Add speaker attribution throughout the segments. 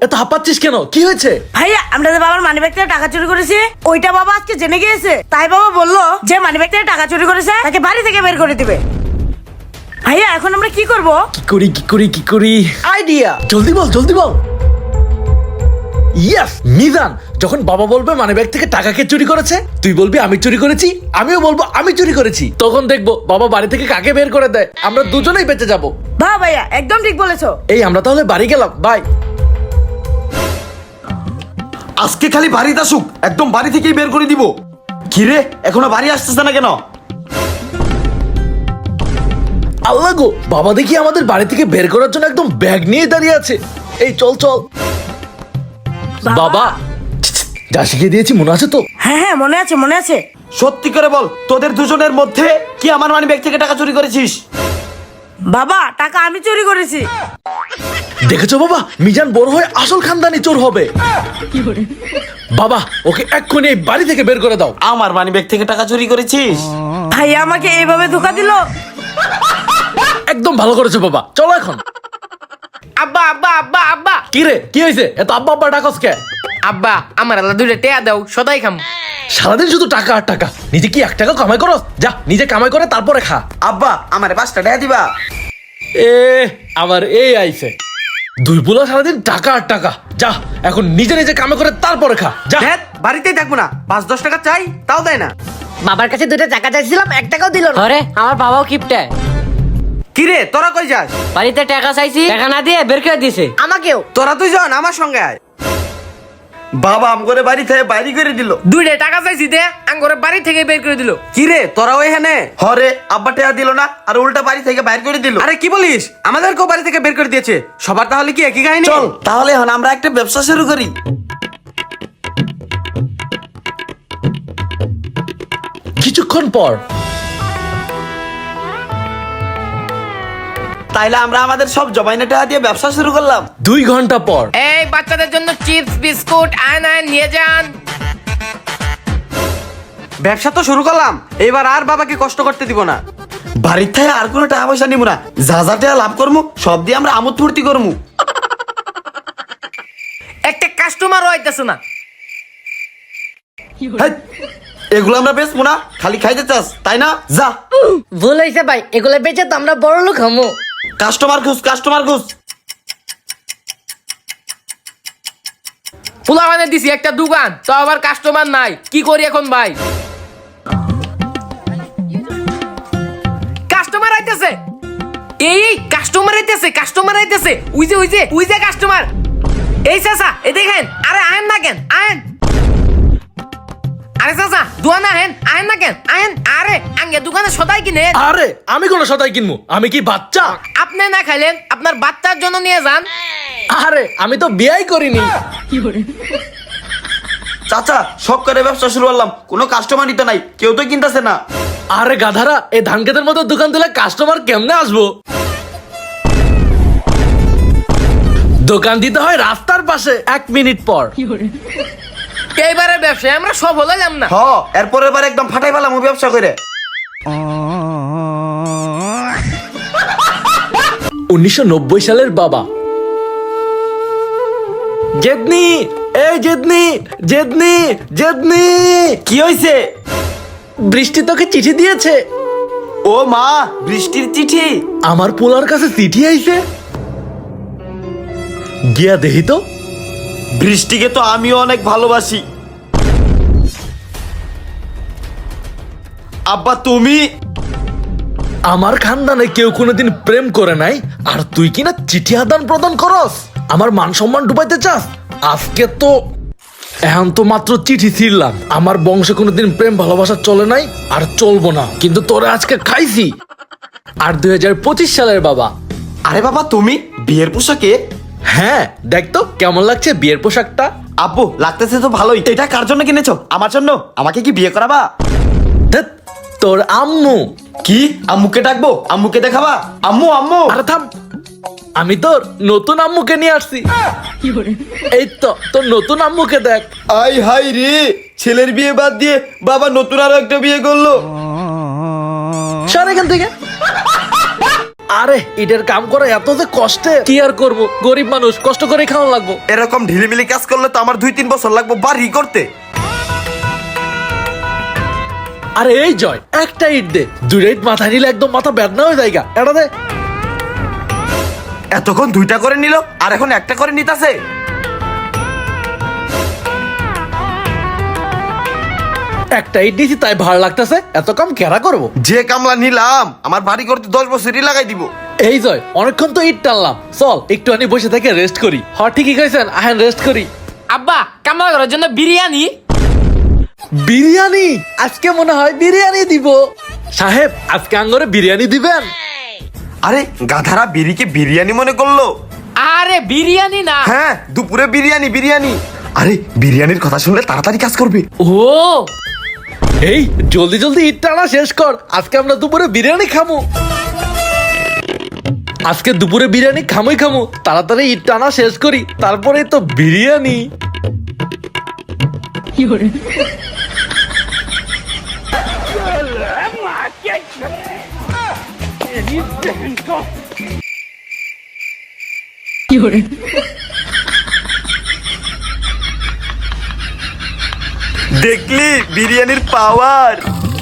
Speaker 1: এত হাঁপাচ্ছিস কেন? কি হয়েছে?
Speaker 2: ভাইয়া আমরা যে বাবার মানিব্যাগ থেকে টাকা চুরি করেছি ওইটা বাবা আজকে জেনে গিয়েছে, তাই বাবা বললো যে মানিব্যাগ থেকে টাকা চুরি করেছে তাকে বাড়ি থেকে বের করে দিবে। ভাইয়া এখন আমরা কি করব?
Speaker 1: কি করি আইডিয়া, জলদি বল। ইয়েস মিজান, যখন বাবা বলবে মানিব্যাগ থেকে টাকা কে চুরি করেছে, তুই বলবি আমি চুরি করেছি, আমিও বলবো আমি চুরি করেছি। তখন দেখবো বাবা বাড়ি থেকে কাকে বের করে দেয়, আমরা দুজনেই বেঁচে যাবো।
Speaker 2: বাহ ভাইয়া একদম ঠিক বলেছো।
Speaker 1: এই আমরা তাহলে বাড়ি গেলাম, বাই।
Speaker 3: আজকে খালি বাড়িতে আসুক, একদম বাড়ি থেকেই বের করে দিব। কিরে এখনো বাড়ি আসতেছে না কেন?
Speaker 1: আল্লাহ গো, বাবা দেখি আমাদের বাড়ি থেকে বের করার জন্য একদম ব্যাগ নিয়ে দাঁড়িয়ে আছে। এই চল বাবা, যা শিখিয়ে দিয়েছি মনে আছে তো?
Speaker 2: হ্যাঁ মনে আছে।
Speaker 3: সত্যি করে বল, তোদের দুজনের মধ্যে কি আমার মানিব্যাগ থেকে টাকা চুরি করেছিস?
Speaker 2: বাবা টাকা আমি চুরি করেছি।
Speaker 1: দেখেছো বাবা, মিজান বড় হয়ে আসল খানদানি চোর হবে। বাবা ওকে এক্ষুনি এই বাড়ি থেকে বের করে দাও।
Speaker 3: আমার মানিব্যাগ থেকে টাকা চুরি করেছিস?
Speaker 2: ভাইয়া আমাকে এইভাবে ধোকা দিলো।
Speaker 1: একদম ভালো করেছো বাবা, চলো এখন।
Speaker 4: আব্বা
Speaker 1: কি রে, কি হয়েছে? এত আব্বা ডাকস কে?
Speaker 4: আব্বা আমার আল্লাহ দুইটা টেয়া দাও, সদাই খাম।
Speaker 1: সারাদিন শুধু টাকা আর টাকা, নিজে কি 1 টাকা কামাই করস? যা নিজে কামাই করে তারপরে খা।
Speaker 3: আব্বা আমারে 5টা টাকা দিবা।
Speaker 1: এ আবার এই আইছে, দুই পোলা সারাদিন টাকা আর টাকা। যা এখন নিজে কামাই করে তারপরে খা, যা।
Speaker 3: বাড়িতেই থাকবো না, 5-10 টাকা চাই তাও দেয় না।
Speaker 5: বাবার কাছে 2টা টাকা চাইছিলাম, 1 টাকাও দিল না।
Speaker 4: আরে আমার বাবাও কিপটে,
Speaker 3: কিরে তোরা কই যাস?
Speaker 4: বাড়িতে টাকা চাইছি, টাকা না দিয়ে বের করে দিছে।
Speaker 5: আমাকেও।
Speaker 3: তোরা দুইজন আমার সঙ্গে আয়। বাবা আমগরে বাড়ি থেকে বাইরে করে দিল।
Speaker 4: দুইটা টাকা চাইছি দে, আঙ্গরে বাড়ি থেকে বের করে দিল।
Speaker 3: কিরে তোরা ওইখানে? হরে আব্বা টাকা দিল না আর উল্টা বাড়ি থেকে বাইর করে দিল। আরে কি বলিস, আমাদেরকেও বাড়ি থেকে বের করে দিয়েছে। সবার তাহলে কি একই কাহিনী? চল তাহলে এখন আমরা একটা ব্যবসা শুরু করি।
Speaker 1: কিছুক্ষণ পর
Speaker 3: তাইলে আমরা আমাদের সব জমাইনা টাকা দিয়ে ব্যবসা শুরু করলাম।
Speaker 1: 2 ঘন্টা পর
Speaker 4: এই বাচ্চাদের জন্য চিপস বিস্কুট আয়ন নিয়ে যান।
Speaker 3: ব্যবসা তো শুরু করলাম, এবার আর বাবাকে কষ্ট করতে দিব না। বাড়ির থেকে আর কোনো টাকা পয়সা নিব না, যা যা টাকা লাভ করবো সব দিয়ে আমরা আমোদ ফুর্তি করবো।
Speaker 4: একটা কাস্টমারও আইতাছে না।
Speaker 3: হেৎ, এগুলো আমরা বেচবো না, খালি খাইতে চাস তাই না? যা
Speaker 5: ভুল হয়েছে ভাই, এগুলো বেচে তো আমরা বড় লোক হমু।
Speaker 3: কাস্টমার খুঁজ।
Speaker 4: ফুলা মানে দিছি একটা দোকান, তো আবার কাস্টমার নাই, কি করি এখন ভাই? কাস্টমার আইতেছে, এই কাস্টমার আইতেছে, ওই যে কাস্টমার। এই চাচা এ দেখেন, আরে আয়েন না কেন, আয়েন। আরে চাচা দোকানে আয়েন না কেন, আয়েন। আরে আঙ্গে দোকানে সদাই কিনে।
Speaker 1: আরে আমি কোন সদাই কিনবো? আমি কি বাচ্চা?
Speaker 4: আপনি না খাইলেন, আপনার বাচ্চার জন্য নিয়ে যান।
Speaker 1: আরে আমি তো বিয়াই করিনি।
Speaker 3: চাচা সব করে ব্যবসা শুরু করলাম, কোনো কাস্টমারই তো নাই, কেউ তো কিনতেছে না।
Speaker 1: আরে গাধারা, এই ধান ক্ষেতের মতো দোকান দিলে কাস্টমার কেমনে আসবো? দোকান দিতে হয় রাস্তার পাশে। 1 মিনিট পর
Speaker 4: এইবারের ব্যবসায় আমরা সফল হলাম না।
Speaker 3: এরপরের বার একদম ফাটাই পেলাম ব্যবসা করে।
Speaker 1: 1990 সালের বাবা। জেদনি, এই জেদনি।
Speaker 3: কি হয়েছে?
Speaker 1: বৃষ্টি তোকে চিঠি দিয়েছে।
Speaker 3: ও মা, বৃষ্টির চিঠি?
Speaker 1: আমার পোলার কাছে চিঠি আইছে, গিয়া দেহি তো।
Speaker 3: বৃষ্টিকে তো আমিও অনেক ভালোবাসি। আব্বা তুমি?
Speaker 1: আমার খানদানে কেউ কোনোদিন প্রেম করে নাই, আর তুই কিনা চিঠি আদান প্রদান করস? আমার মান সম্মান ডুবাইতে চাস? আজকে তো এখন তো মাত্র চিঠি ছিড়লাম। আমার বংশে কোনোদিন প্রেম ভালোবাসা চলে নাই, আর চলবো না, কিন্তু তোরা আজকে খাইছি। আর 2025 সালের বাবা।
Speaker 3: আরে বাবা তুমি বিয়ের পোশাকে?
Speaker 1: হ্যাঁ দেখ তো কেমন লাগছে বিয়ের পোশাকটা।
Speaker 3: আব্বু লাগতেছে তো ভালোই। এটা কার জন্য কিনেছো? আমার জন্য? আমাকে কি বিয়ে করাবা?
Speaker 1: ধ্যাৎ, তোর আম্মু।
Speaker 3: কি আম্মুকে ডাকবো? আম্মুকে দেখাবা? আম্মু।
Speaker 1: আরে থাম, আমি তোর নতুন আম্মুকে নিয়ে আসছি। এই তো তোর নতুন আম্মুকে দেখ।
Speaker 3: আই হাই রে, ছেলের বিয়ে বাদ দিয়ে বাবা নতুন আরো একটা বিয়ে করলো।
Speaker 1: সর এখান থেকে। আরে এটার কাম করা এত যে কষ্টে, কি আর করব, গরিব মানুষ, কষ্ট করে খাওয়া লাগবো।
Speaker 3: এরকম ঢিলিমিলি কাজ করলে তো আমার 2-3 বছর লাগবে বাড়ি করতে।
Speaker 1: আরে এই জয়, একটা ইট দে, 2টা ইট মাথায় নিলে একদম মাথা বেদনা হয়ে যায়। এটা দে।
Speaker 3: এতক্ষণ 2টা করে নিল আর এখন একটা করে নিতাছে।
Speaker 1: একটা ইট দিছি তাই ভালো লাগতেছে, এত কম কেরা করবো।
Speaker 3: যে কামলা নিলাম আমার বাড়ি করতে 10 বছরই লাগাই দিব।
Speaker 1: এই জয়, অনেকক্ষণ তো ইট টানলাম, চল একটু আনি বসে থেকে রেস্ট করি। ঠিকই কইছেন, আহেন রেস্ট করি।
Speaker 4: আব্বা কামলা করার জন্য বিরিয়ানি।
Speaker 1: বিরিয়ানি? আজকে মনে হয় বিরিয়ানি দিব। সাহেব, আজকে আঙ্গরে বিরিয়ানি দিবেন?
Speaker 3: আরে গাধারা বিড়িকে বিরিয়ানি মনে করলো।
Speaker 4: আরে বিরিয়ানি না।
Speaker 3: হ্যাঁ, দুপুরে বিরিয়ানি বিরিয়ানি। আরে বিরিয়ানির কথা শুনলে তাড়াতাড়ি কাজ করবে।
Speaker 4: ও
Speaker 1: এই জলদি জলদি ইট টানা শেষ কর, আজকে আমরা দুপুরে বিরিয়ানি খামু। আজকে দুপুরে বিরিয়ানি খামুই খামু, তাড়াতাড়ি ইট টানা শেষ করি, তারপরে তো বিরিয়ানি।
Speaker 3: দেখলি বিরিয়ানির পাওয়ার।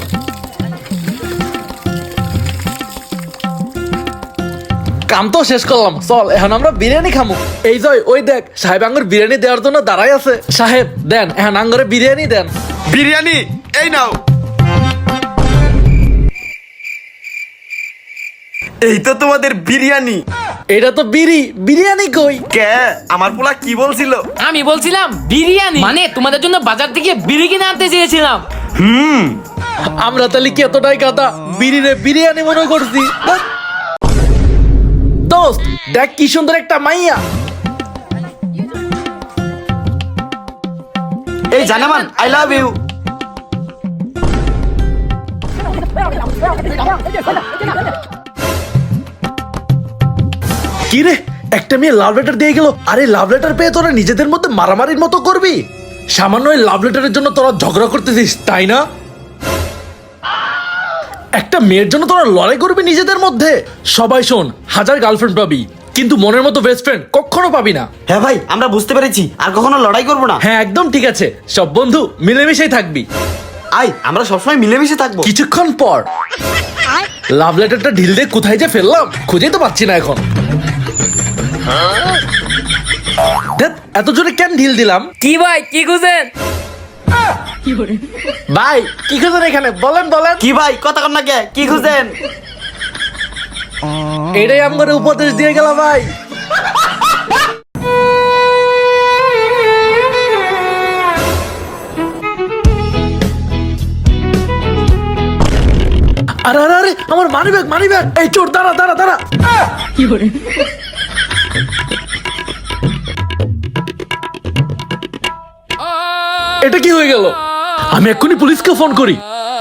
Speaker 1: কাম তো শেষ করলাম, চল এখন আমরা বিরিয়ানি খামু। এই জয়, ওই দেখ সাহেব আঙ্গুর বিরিয়ানি দেওয়ার জন্য দাঁড়াই আছে। সাহেব দেন, এখন আঙ্গুরে বিরিয়ানি দেন।
Speaker 3: বিরিয়ানি এই নাও। এই তো তোমাদের বিরিয়ানি।
Speaker 1: এটা তো বিরিয়ানি কই?
Speaker 3: কে আমার পোলা কি বলছিল?
Speaker 4: আমি বলছিলাম বিরিয়ানি মানে তোমাদের জন্য বাজার থেকে বিড়ি কিনে আনতে চেয়েছিলাম।
Speaker 1: আমরা তাহলে কি এতটাই গাদা বিরিরে বিরিয়ানি মনে করছি? ধ্যাৎ। দোস্ত দেখ কি সুন্দর একটা মাইয়া।
Speaker 3: এই জানামান আই লাভ ইউ।
Speaker 1: কি রে, একটা মেয়ে লাভ লেটার দিয়ে গেল। আরে লাভ লেটার পেয়ে তোরা নিজেদের মধ্যে মারামারির মতো করবি? সামান্য এই লাভ লেটারের জন্য তোরা ঝগড়া করতেছিস, তাই না? একটা মেয়ের জন্য তোরা লড়াই করবি নিজেদের মধ্যে? সবাই শোন, 1000 গার্লফ্রেন্ড পাবি, কিন্তু মনের মতো বেস্ট ফ্রেন্ড কখনো পাবি না।
Speaker 3: হ্যাঁ ভাই, আমরা বুঝতে পেরেছি, আর কখনো লড়াই করবো না।
Speaker 1: হ্যাঁ একদম ঠিক আছে, সব বন্ধু মিলেমিশেই থাকবি।
Speaker 3: আই আমরা সবসময় মিলেমিশে থাকবো।
Speaker 1: কিছুক্ষণ পর লাভ লেটারটা ঢিল দিয়ে কোথায় যে ফেললাম খুঁজেই তো পাচ্ছি না এখন। ধ্যাৎ, এত জোরে কেন ঢিল দিলাম?
Speaker 4: কি ভাই কি খুঁজেন?
Speaker 1: ভাই কি খুঁজেন এখানে, বলেন বলেন।
Speaker 3: কি ভাই কথা কর না কে, কি খুঁজেন?
Speaker 1: এটাই আমার উপদেশ দিয়ে গেল ভাই। আরে আরে আরে, আমার মানি ব্যাগ। এই চোর, দাঁড়া দাঁড়া দাঁড়া। এটা কি হয়ে গেল? আমি এক্ষুনি পুলিশকে ফোন করি।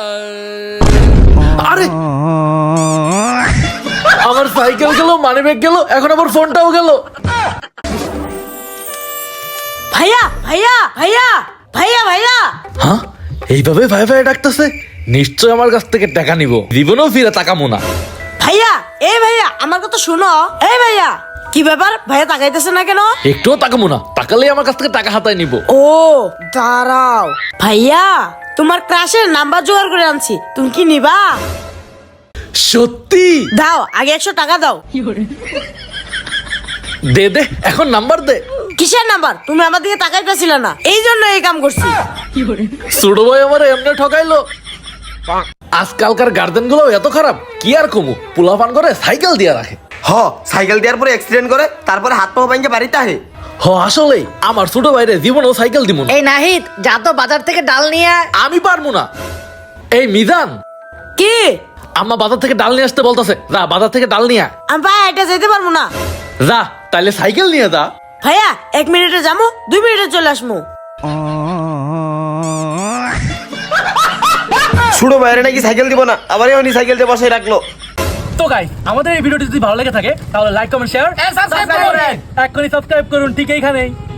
Speaker 1: আরে আমার সাইকেল গেল, মানি ব্যাগ গেল, এখন আবার ফোনটাও গেল।
Speaker 2: ভাইয়া ভাইয়া ভাইয়া ভাইয়া ভাইয়া
Speaker 1: হ্যাঁ, এইভাবে ভাই ভাই ডাকতেছে, নিশ্চয় আমার কাছ থেকে টাকা নিব, জীবনেও ফিরে তাকামো না।
Speaker 2: ভাইয়া এই ভাইয়া আমার কথা শুনো। এই ভাইয়া কি ব্যাপার, ভাইয়া তাকাইতেছে না কেন?
Speaker 1: একটুও তাকামো না, তাকালেই আমার কাছ থেকে টাকা হাতায় নিব।
Speaker 2: ও দাঁড়াও ভাইয়া, তোমার ক্রাশের নাম্বার জোগাড় করে আনছি, তুমি কি নিবা?
Speaker 1: সত্যি?
Speaker 2: দাও, আগে 100 টাকা দাও।
Speaker 1: দে দে, এখন নাম্বার দে।
Speaker 2: কিসের নাম্বার? তুমি আমার দিকে তাকাইতেছিলে না, এই জন্য এই কাম করছি।
Speaker 1: ছোট ভাই আমার এমনি ঠকাইলো। আজকালকার গার্জেন গুলো এত খারাপ, কি আর কমু, পোলাপান করে সাইকেল দিয়ে রাখে।
Speaker 3: হ, সাইকেল দেওয়ার পরে অ্যাক্সিডেন্ট করে, তারপরে হাত পা ভেঙে বাড়িতে আহে।
Speaker 1: আসলেই আমার ছোট ভাইরে জীবনেও সাইকেল দিব না।
Speaker 5: এই নাহিদ, যা তো বাজার থেকে ডাল নিয়ে আয়।
Speaker 1: আমি পারবো না। এই মিজান,
Speaker 2: কি?
Speaker 1: আম্মা বাজার থেকে ডাল নিয়ে আসতে বলতেছে, যা বাজার থেকে ডাল নিয়ে আয়।
Speaker 2: আমি ভাই এটা যেতে পারবো না।
Speaker 1: যা তাইলে সাইকেল নিয়ে যা।
Speaker 2: ভাইয়া 1 মিনিটে যাবো, 2 মিনিটে চলে আসবো।
Speaker 3: ছোট বাইরে নাকি সাইকেল দিব না, আবার উনি সাইকেল দিয়ে বসাই রাখলো।
Speaker 1: তো গাইস, আমাদের এই ভিডিওটি যদি ভালো লেগে থাকে তাহলে লাইক কমেন্ট শেয়ার
Speaker 4: সাবস্ক্রাইব করুন।
Speaker 1: এক্ষুনি সাবস্ক্রাইব করুন ঠিক এইখানেই।